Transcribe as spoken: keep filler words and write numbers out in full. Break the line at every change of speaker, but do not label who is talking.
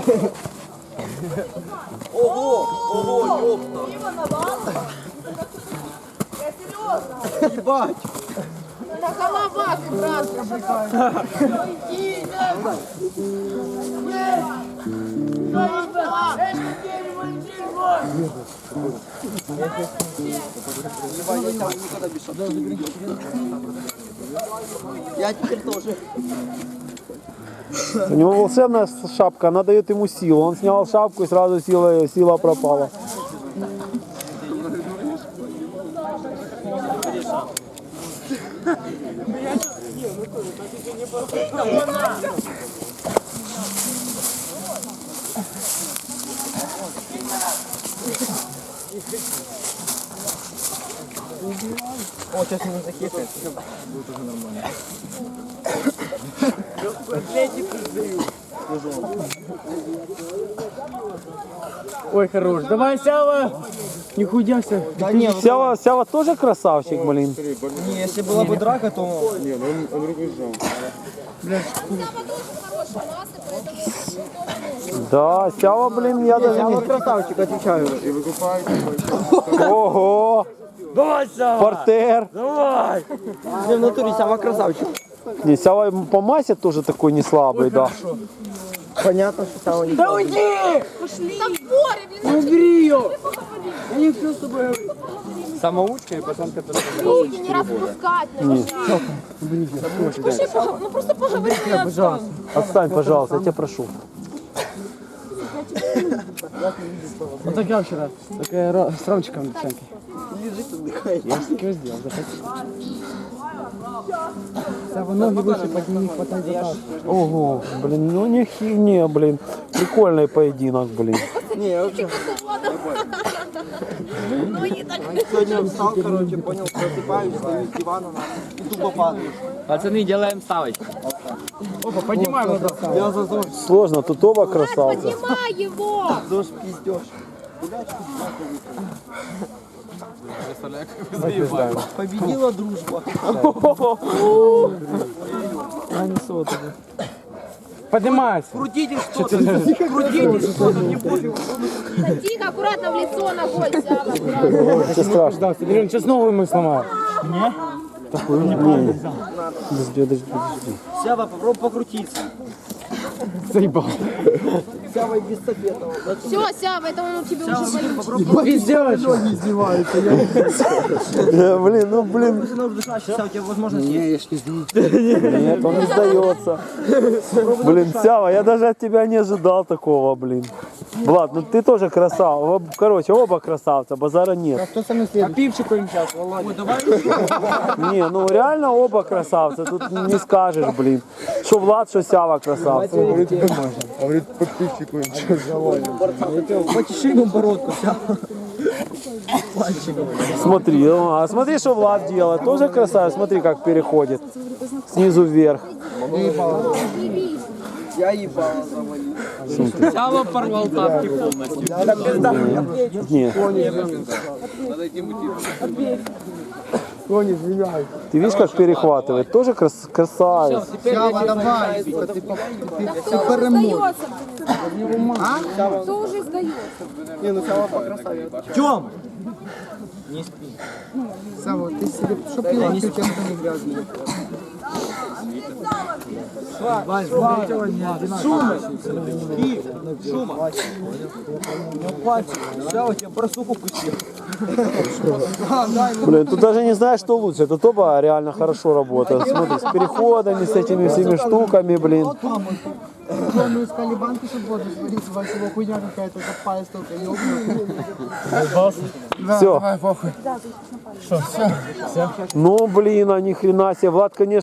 Ого, ого, ёпта.
Я серьезно.
Ебать.
На голова ты, брат. Иди, да.
Я теперь тоже.
У него волшебная шапка, она дает ему силу. Он снял шапку и сразу сила, сила пропала.
О, сейчас меня захекает. Будет уже нормально.
Ой, хорош. Давай, Сява. Не худяйся.
Да не,
Сява, Сява тоже красавчик, блин.
не, если была бы драка, то...
Не, ну он, он руку сжал.
Да, Сява, блин, я даже
Я
не...
вот красавчик, отвечаю.
И выкупает.
Ого!
Давай, Сява.
Портер!
Давай.
Не, в натуре Сява красавчик.
Не, Сява по массе тоже такой не слабый, да.
Понятно, что Сява не...
Да уйди.
Там море, блин.
Убери ее. Я не все с тобой говорю.
Самоучка и пацанка тоже.
Руки не распускать. Пошли, пога- ну просто поговори.
Пожалуйста.
Отстань, пожалуйста, я тебя прошу.
Вот так я вчера. Такая ро- с Ромчиком девчонки. Я же такое сделал, захотел. Сява, ноги выше подними, хватай за таз.
Ого, блин, ну не хивне, блин. Прикольный поединок, блин.
Не, я вообще...
Ну и так.
Сегодня встал, короче, понял, просыпаюсь, стою с дивана и тупо падаю.
Пацаны, делаем ставочку. Опа, поднимай вот так.
Я за ЗОЖ.
Сложно, тут оба красавца.
Поднимай его.
ЗОЖ пиздёж. Победила дружба.
Поднимайся.
Крутите что-то. Крутите что-то, не пофиг.
Тихо, аккуратно в лицо ногой, Сява, аккуратно.
Это страшно.
Да, Сидорин, сейчас новую мы сломаем.
Не, подожди, подожди, подожди.
Сява, попробуй покрутиться.
Заебал.
Сява без сапетова.
Все, Сява, это он у тебя уже болит.
Попробуй.
Пиздец.
Э, Блин, ну блин.
Если нужно дышать, Сява, у тебя возможность есть.
Нет, он не сдается. Блин, Сява, я даже от тебя не ожидал такого, блин. Влад, ну ты тоже красава. Короче, оба красавца, базара нет.
Кто самый следующий? А пивчику им сейчас, Володя.
Ой, давай.
Не, ну реально оба красавца. Тут не скажешь, блин. Что Влад, что Сява красавца.
Говорит, говорит, по пивчику им что завалим.
Потеши ему бородку, Сява.
Смотри, ну, а смотри, что Влад делает. Тоже красавец. Смотри, как переходит. Снизу вверх.
Я ебало завалил.
Сява порвал тапки полностью.
Не. Ты видишь, как перехватывает? Тоже крас- красавец.
Сява, давай. Ты
Сдается. А? Кто уже сдается?
Не, ну Сява покрасавец. Тём! Не спи.
Сава, ты себе что пила, ты тебя не грязный.
Шума! И шума! Сява, тебя барсуку кусил.
Блин, тут даже не знаешь, что лучше. Тут оба реально хорошо работают. Смотри, с переходами, с этими всеми штуками, блин.
Мы искали банки, чтобы воду сварить, у вас его хуйня какая-то запаясь только ёбнутая.
Все. Ну, блин, а ни хрена себе. Влад, конечно.